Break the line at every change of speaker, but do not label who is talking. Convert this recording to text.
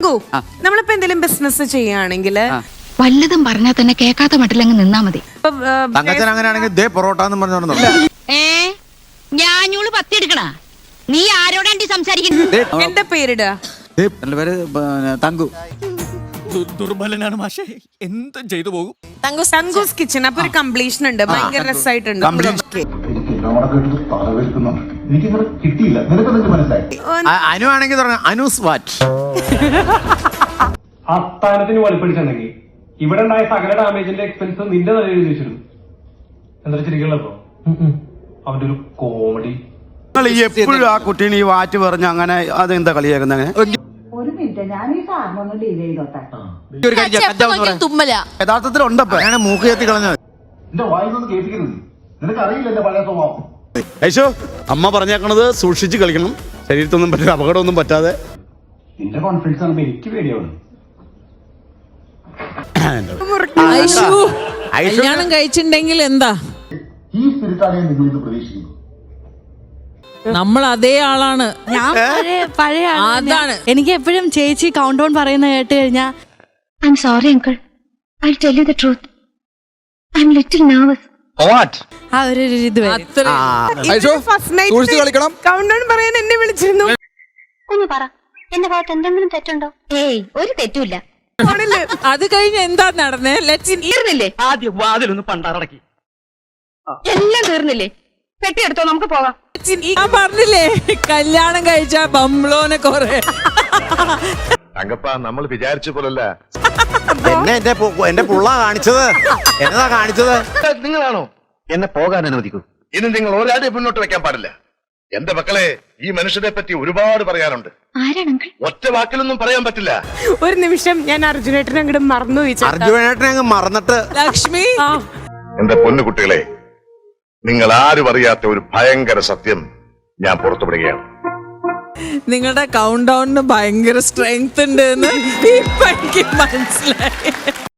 തങ്കു, നമ്മളിപ്പോ എന്തെങ്കിലും ബിസിനസ് ചെയ്യുകയാണെങ്കിൽ
വല്ലതും പറഞ്ഞാൽ തന്നെ കേൾക്കാത്ത മട്ടിലങ്ങ് നിന്നാ മതി.
തങ്കച്ചൻ അങ്ങനെയാണെങ്കിൽ ദേ പൊറോട്ട എന്ന് പറഞ്ഞു
ഞാനൂള് പത്തിയെടുക്കണ നീ ആരോടാണ്ടി സംസാരിക്കുന്നത്?
എന്റെ പേരിടുക.
എന്റെ പേര് തങ്കു.
ദുർബലനാണ് മാഷെ, എന്തും ചെയ്തു പോകും.
തങ്കൂസ് കിച്ചൺ. അപ്പൊ ഒരു കംപ്ലീഷൻ ഉണ്ട്, ഭയങ്കര രസമായിട്ടുണ്ട്.
അനു ആണെങ്കിൽ അനൂസ് വാറ്റ്.
അസ്ഥാനത്തിന് വലിപ്പിടിച്ചെന്നെങ്കിൽ ഇവിടെ ഉണ്ടായ സകല ഡാമേജിന്റെ എക്സ്പെൻസ് നിന്റെ തലയിൽ എഴുതി വെച്ചിരുന്നു. എന്താ ശരിക്കുള്ളപ്പോ അവന്റെ ഒരു കോമഡി.
എപ്പോഴും ആ കുട്ടീനെ ഈ വാറ്റ് പറഞ്ഞ് അങ്ങനെ അതെന്താ കളിയാക്കുന്ന?
ഒരു മിനിറ്റ്, ഞാൻ ഈ സാറിനൊന്ന് ഡീൽ ചെയ്തോട്ടെ.
യഥാർത്ഥത്തിൽ ഉണ്ടപ്പോ ഞാൻ മൂക്ക് കയറ്റി കളഞ്ഞത്. ഐശോ, അമ്മ പറഞ്ഞേക്കണത് സൂക്ഷിച്ച് കളിക്കണം, ശരീരത്തൊന്നും പറ്റില്ല, അപകടമൊന്നും പറ്റാതെ.
നിന്റെ കോൺഫിഡൻസ് ആണ് എനിക്ക് പേടിയാണ്.
കല്യാണം കഴിച്ചിട്ടുണ്ടെങ്കിൽ എന്താ
ഈ സ്പിരിറ്റാണ് നിങ്ങൾ പ്രതീക്ഷിക്കുന്നത്.
നമ്മൾ അതേ ആളാണ്.
ഞാൻ പഴയ
അതാണ്.
എനിക്ക് എപ്പോഴും ചേച്ചി കൗണ്ട് ഡൗൺ പറയുന്ന കേട്ട് കഴിഞ്ഞാൽ
I'm sorry uncle, I will tell you the truth, I'm little nervous.
ആ ഒരു ഇത് വരും.
കൗണ്ട് ഡൗൺ പറയാൻ എന്നെ വിളിച്ചിരുന്നു.
ഒന്ന് പറ, എന്റെ ഭാഗത്ത് എന്തെങ്കിലും തെറ്റുണ്ടോ? ഏയ്, ഒരു തെറ്റുമില്ല.
അത് കഴിഞ്ഞ് എന്താ നടന്നേ?
തീർന്നില്ലേ?
ആദ്യം വാതിലൊന്ന് പണ്ടാറടക്കി.
എല്ലാം തീർന്നില്ലേ? പെട്ടിയെടുത്തോ, നമുക്ക് പോകാം.
ഞാൻ പറഞ്ഞില്ലേ, കല്യാണം കഴിച്ച ബംബ്ലോനെ കൊറേ.
തങ്കപ്പ, നമ്മൾ വിചാരിച്ച പോലല്ല.
എന്നെ എന്റെ പുള്ള കാണിച്ചത് എന്നതാ കാണിച്ചത്?
നിങ്ങളാണോ എന്നെ പോകാൻ അനുവദിക്കൂ? ഇനി നിങ്ങൾ ഒരാളെ മുന്നോട്ട് വെക്കാൻ പാടില്ല. എന്റെ മക്കളെ, ഈ മനുഷ്യനെ പറ്റി ഒരുപാട് പറയാനുണ്ട്.
ആരാണ് അങ്കിൾ?
ഒറ്റ വാക്കിലൊന്നും പറയാൻ പറ്റില്ല.
ഒരു നിമിഷം ഞാൻ അർജുനേട്ടനെ അങ്ങോട്ട് മറന്നു.
അർജുനേട്ടനെ അങ്ങ് മറന്നിട്ട്.
ലക്ഷ്മി,
എന്റെ പൊന്നു കുട്ടികളെ, നിങ്ങൾ ആരും അറിയാത്ത ഒരു ഭയങ്കര സത്യം ഞാൻ പുറത്തുവിടുകയാണ്.
നിങ്ങളുടെ കൗണ്ട് ഡൗണിന് ഭയങ്കര സ്ട്രെങ്ത് ഉണ്ട് എന്ന് ഇപ്പൊ എനിക്ക് മനസ്സിലായി.